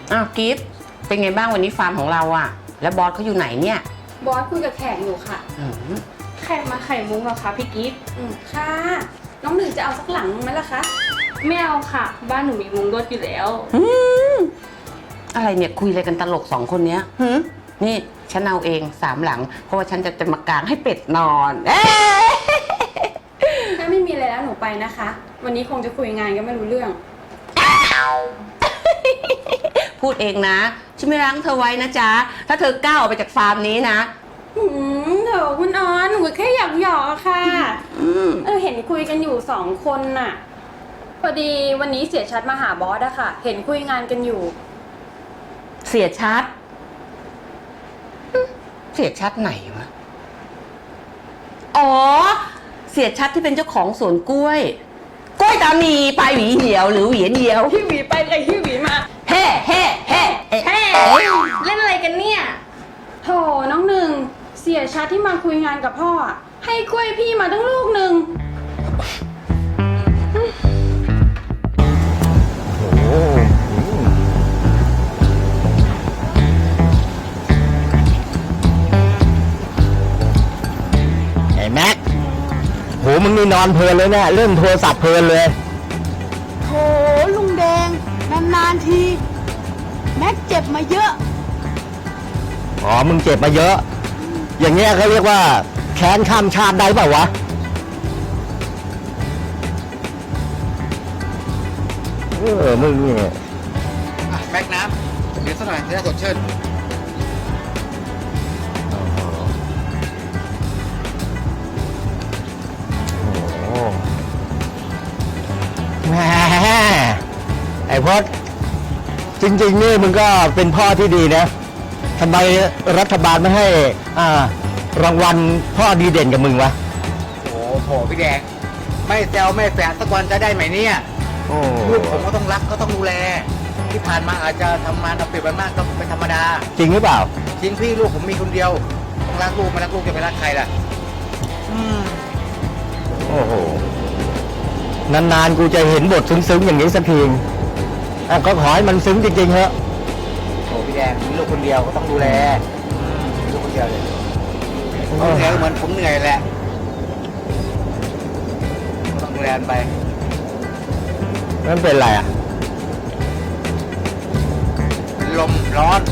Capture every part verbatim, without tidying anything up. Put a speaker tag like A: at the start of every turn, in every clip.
A: อ้าวกิฟต์เป็นไงบ้างวันนี้ฟาร์มของเราอะแล้วบอสเขาอยู่ไหนเนี่ย
B: บอสคุยกับแขกอยู่ค่ะ
C: แขกมาไข่มุ้งเหรอคะพี่กิฟต์
B: ค่ะน้องหนึ่งจะเอาสักหลังไหมล่ะคะ
C: ไม่เอาค่ะบ้านหนูมีมุ้งรถอยู่แล้ว
A: อะไรเนี่ยคุยอะไรกันตลกสองคนเนี้ยนี่ฉันเอาเองสามหลังเพราะว่าฉันจะจะมากางให้เป็ดนอน
B: ถ้าไม่มีอะไรแล้วหนูไปนะคะวันนี้คงจะคุยงานก็ไม่รู้เรื่อง
A: พูดเองนะฉันไม่รั้งเธอไว้นะจ๊ะถ้าเธอก้าวออกไปจากฟาร์มนี้นะ
B: หืมเดี๋ยวคุณออนหนูแค่อยากหยอกค่ะเออเห็นคุยกันอยู่สองคนน่ะพอดีวันนี้เสียชัดมาหาบอสอะค่ะเห็นคุยงานกันอยู่
A: เสียชัดเสียชัดไหนวะอ๋อเสียชัดที่เป็นเจ้าของสวนกล้วยกล้วยตานีปลายหวีเหี่ยวหรือหวีเหี่ยว
B: หิ้วหวีไปเลยหิ้วหวีมา
A: เฮ่เฮ่เฮ่
B: เฮ่เล่นอะไรกันเนี่ยโถน้องหนึ่งเสียชัดที่มาคุยงานกับพ่อให้กล้วยพี่มาตั้งลูกหนึ่ง
D: ไอ้แม็กโหมึงนี่นอนเพลินเลยเนี่ยเล่นโทรศัพท์เพลินเลย
E: โหลุงแดงนานๆทีแม็กเจ็บมาเยอะ
D: อ๋อมึงเจ็บมาเยอะอย่างเงี้ยเขาเรียกว่าแค้นข้ามชาติได้เปล่าวะเออมึงเนี่ย
F: แม็กน้ำเดี๋ยวสักหน่อยจะได้สดชื่น
D: แหมไอ้พอดจริงๆนี่มึงก็เป็นพ่อที่ดีนะทำไมรัฐบาลไม่ให้อ่ารางวัลพ่อดีเด่นกับมึงวะ
F: โอ้โหพี่แดงไม่แซวไม่แฝงสักวันจะได้ไหมเนี่ยลูกผมก็ต้องรักก็ต้องดูแลที่ผ่านมาอาจจะทำงานเอาเปรียบไปมากก็เป็นธรรมดา
D: จริงหรือเปล่า
F: จริงพี่ลูกผมมีคนเดียวต้องรักลูกไม่รักลูกจะไปรักใครล่ะอืม
D: โอ้โหนานๆกูจะเห็นบทซึ้งๆอย่างนี้สักทีอ่ะก็ขอให้มันซึ้งจริงๆเถอะ
F: โอ้พี่แดงมีลูกคนเดียวก็ต้องดูแลมีลูกคนเดียวเลยเหนื่อยเหมือนผมเหนื่อยแหละต้องดูแลไป
D: นั่นเป็นไรอ่ะ
F: เป็นลมร้อน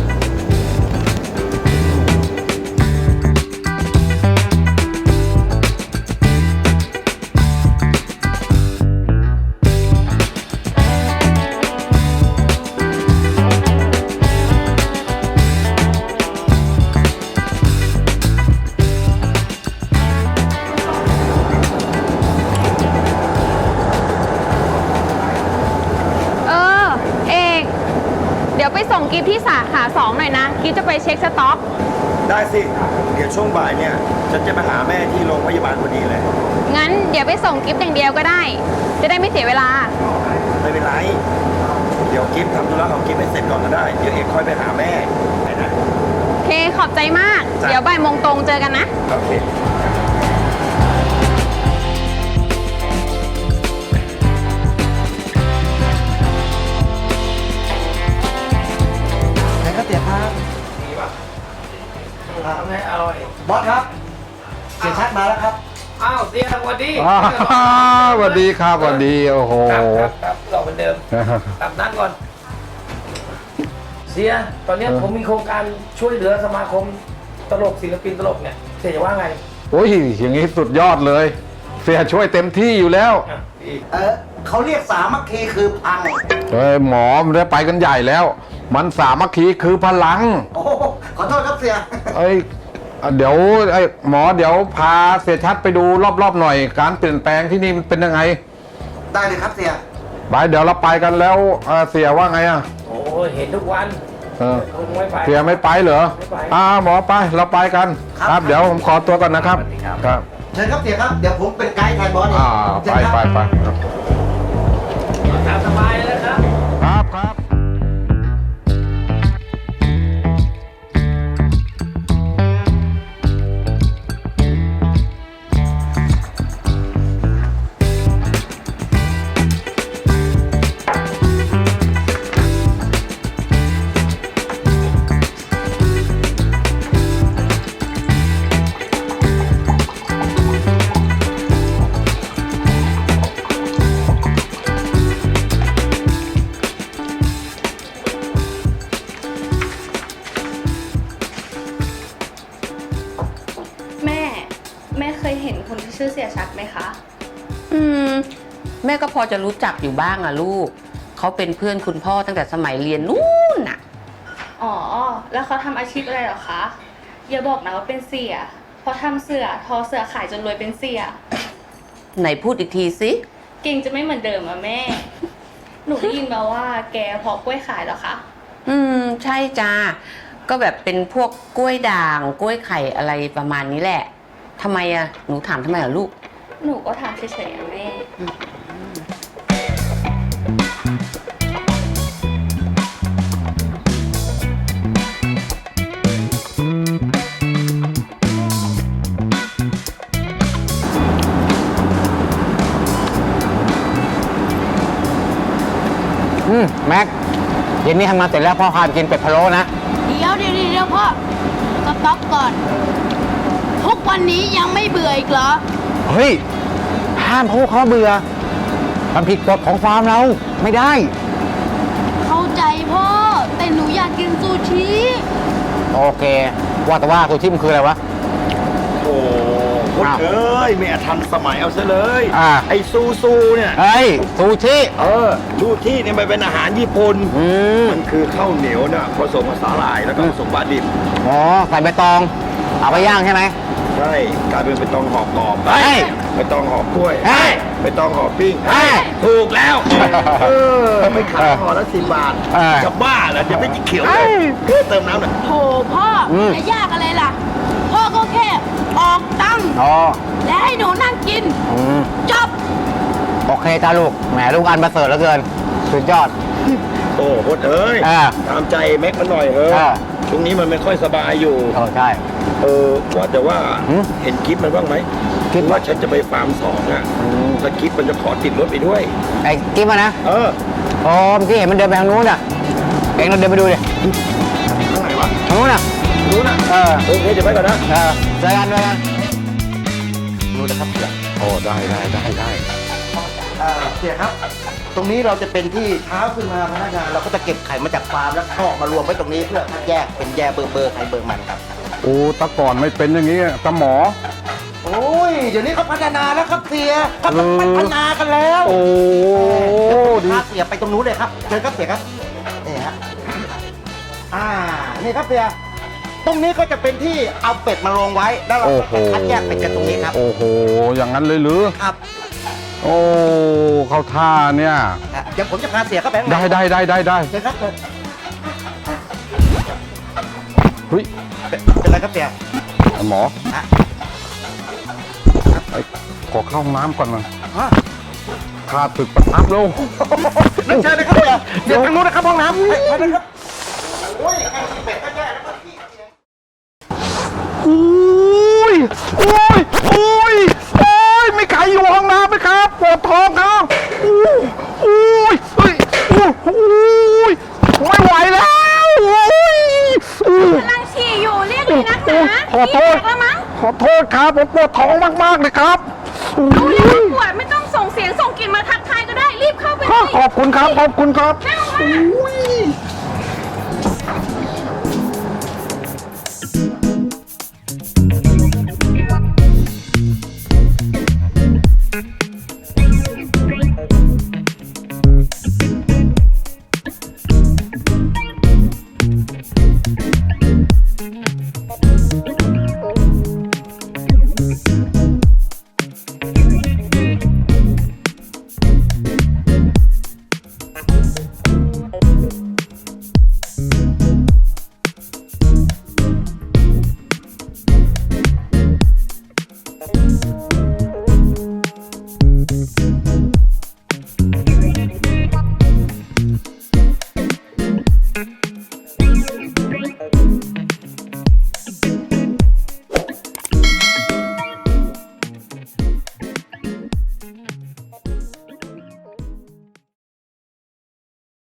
C: ไปส่งกิฟที่สาขาสองหน่อยนะกิฟจะไปเช็คสต็อก
G: ได้สิเดี๋ยวช่วงบ่ายเนี่ยฉันจะไปหาแม่ที่โรงพยาบาลพอดีเลย
C: งั้นเดี๋ยวไปส่งกิฟอย่างเดียวก็ได้จะได้ไม่เสียเวลา
G: ไม่เป็นไรเดี๋ยวกิฟทำธุระของกิฟให้เสร็จก่อนก็ได้เดี๋ยวเอกค่อยไปหาแม่ไปนะ
C: โอเคขอบใจมากเดี๋ยวบ่ายโมงตรงเจอกันนะ
G: โอเค
F: ไม่อร่อย
D: บอสครับเสียชัดมาแล้วครับ
F: อ้าวเสียสวัสดี
H: สวัสดีครับสวัสดีโอ้โห
F: ครับครับเราเหมือนเดิมตับนั่งก่อนเสียตอนนี้ผมมีโครงการช่วยเหลือสมาคมตลกศิลปินตลกเนี่ยเสียจะว่าไง
H: โอ้ยอย่างนี้สุดยอดเลยเสียช่วยเต็มที่อยู่แล้ว
D: เออเขาเรียกสามัคคีคือพัง
H: เฮ้ยหมอมันได้ไปกันใหญ่แล้วมันสามัคคีคือพลัง
D: โอ้ขอโทษครับเสีย
H: เอ้ยเดี๋ยวไอ้หมอเดี๋ยวพาเสียชัดไปดูรอบๆหน่อยการเปลี่ยนแปลงที่นี่มันเป็นยังไง
D: ได้เลยครับเสีย
H: ไปเดี๋ยวเราไปกันแล้วเสียว่าไงอ่ะ
F: โอ้เห็นทุกวัน
H: เออเสียไม่ไปเหรออ่าหมอไปเราไปกันครับเดี๋ยวผมขอตัวก่อนนะครับ
D: ครับเชิญครับเสียครับเดี๋ยวผมเป็นไกด์แทนบอส
H: อ่าไปไปไป
F: ตามสบายเลยครับ
H: ครับครับ
D: เ
C: คนที่ชื่อเสียชัดไหมคะ
A: อืม แม่ก็พอจะรู้จักอยู่บ้างอะลูก เขาเป็นเพื่อนคุณพ่อตั้งแต่สมัยเรียนนู่นน่ะ
C: อ๋อ แล้วเขาทำอาชีพอะไรเหรอคะ อย่าบอกนะว่าเป็นเสียเพราะทำเสือทอเสือขายจนรวยเป็นเสีย
A: ไหนพูดอีกทีสิ
C: เก่งจะไม่เหมือนเดิมอะแม่ หนูได้ยินมาว่าแกเพาะกล้วยขายเหรอคะ
A: อืม ใช่จ้า ก็แบบเป็นพวกกล้วยด่าง กล้วยไข่อะไรประมาณนี้แหละทำไมอะหนูถามทำไมเหรอลูก
C: หนูก็ถามเฉยๆอะแม่
D: อืมแม็กเย็นนี้ทำงานเสร็จแล้วพ่อพาไปกินเป็ดพะโล้นะ
E: เดี๋ยวเดี๋ยวเดี๋ยวพ่อสต็อปก่อน ทุกวันนี้ยังไม่เบื่ออีกเหรอ
D: เฮ้ย ห้ามพูดเขาเบื่อ มันผิดกฎของฟาร์มเรา ไม่ได้
E: เข้าใจพ่อ แต่หนูอยากกินซูชิ
D: โอเค ว่าแต่ว่าซูชิมันคืออะไรวะ
G: โอ้โหเอ้ยไม่ทันสมัยเอาซะเลย
D: อ่า
G: ไอ้ซูซูเนี่ย
D: เฮ้ย ซูชิ
G: เออซูชิเนี่ยมันเป็นอาหารญี่ปุ่น
D: อืม
G: มันคือข้าวเหนียวน่ะผสมกับสาหร่ายแล้วก็ผสมปลาดิบ
D: อ๋อ ใส่ใบตอง เอาไปย่างใช่ไหม
G: ใช่กลายเป็นใบตองห่อกรอบ
D: เฮ้ย
G: ใบตองห่อกล้วย
D: เฮ้ย
G: ใบตองห่อปิ้ง
D: เฮ้ย
G: ถูกแล้ว เออไม่ขายห่อละสิบบาท
D: เออ
G: จะบ้าเหรอจะไม่จิเขียวเล
D: เฮ้
G: ย
D: ย
G: เติมน้ำหน่อย
E: โถพ่ออ
D: ม
E: จะยากอะไรล่ะ พ่อก็แค่ออกตังค์
D: อ๋อ
E: และให้หนูนั่งกิน
D: อืม
E: จบ
D: โอเคจ้าลูก แหมลูกอันประเสริฐเหลือเกิน สุดยอด
G: โอ้โหเอ้ย
D: อ่า
G: ตามใจแม็กมันหน่อยเฮ้ย
D: อ่า
G: ช่วงนี้มันไม่ค่อยสบายอยู่
D: เออใช่
G: เออว่าแต่ว่า
D: หืม
G: เห็นคลิปมันบ้างไหม
D: คลิป
G: ว่าฉันจะไปฟาร์มสองอ่ะ
D: อืม
G: แล้วคลิปมันจะขอติดรถไปด้วย
D: ไอ้กิ๊บมานะ
G: เออ
D: อ๋อเมื่อกี้เห็นมันเดินไปทางนู้นอ่ะ เองเราเดินไปดูดิ
G: ข้างไหนวะ
D: ทางนู้นอ่ะ
G: รู้นะ
D: เออ
G: โอเคเดี๋ยวไปก่อนนะ
D: เออเจอกันเจอกัน
G: รู้นะครับ
H: โอ้ได้ได้ได้ได้
F: เสียครับ ตรงนี้เราจะเป็นที่เท้าขึ้นมาพนักงานเราก็จะเก็บไข่มาจากฟาร์มแล้วก็มารวมไว้ตรงนี้เพื่อแยกเป็นแยกเบอร์เบอร์ไข่เบอร์มันครับ
H: โอ้แตะก่อนไม่เป็นอย่างนี้ตะหมอ
F: โอ้ย เดี๋ยวนี้เขาพัฒนาแล้วครับเสียเขา
H: เออ
F: พัฒนากันแล้ว
H: โอ้
F: เดี๋ยวผม
H: ดี
F: จะพาเสียไปตรงนู้นเลยครับเชิญครับเสียครับนี่ฮะอ่านี่ครับเสียตรงนี้ก็จะเป็นที่เอาเป็ดมาลงไว้แล้วเรา
H: โอ้
F: ก็
H: โห
F: คัดแยกเป็ดกันตรงนี้ครับ
H: โอ้โห อย่างนั้นเลยหรือ
F: ครับ
H: โอ้ เข้าท่าเนี่ย
F: อ่ะเดี๋ยวผมจะพาเสียเข้าไปข้างใน
H: ได้ได้ได้ได้ได้
F: เชิญครับเชิญ
H: เฮ้ย
F: เป็นเป็นไรครับเสีย
H: หมอ
F: ฮะ
H: ไอ้ขอเข้าห้องน้ำก่อนนะ
F: ฮะ
H: ขาดตึกประทับแล้ว
F: นั่นเชิญเลยครับเสียเดี๋ยวทางนู้นนะครับห้องน้ำไปไปเลยครับโอ้ยแค่กินเป็ดก็แย่แล้วก็ขี้เสีย
H: โอ้ย โอ้ย โอ้ย โอ้ย ไม่ใครอยู่ห้องน้ำไหมครับ ปวดท้องครับโอ้ยโอ้ยเฮ้ยโอ้ยโอ้ยไม่ไหวแล้วโอ้ยโอ้ย
C: กำลังฉี่อยู่เรียกเลยนักหนา
H: ขอโทษ
C: ฉี่แตกแล้วมั้ง
H: ขอโทษครับ ผมปวดท้องมากๆเลยครับโอ้
C: รู้แล้ว
H: ย
C: ว่าปวดไม่ต้องส่งเสียงส่งกลิ่นมาทักทายก็ได้รีบเข้าไปเล
H: ข
C: ย
H: อบคุณครับ ขอบคุณครับ
C: นั่งมา
H: โอ้ย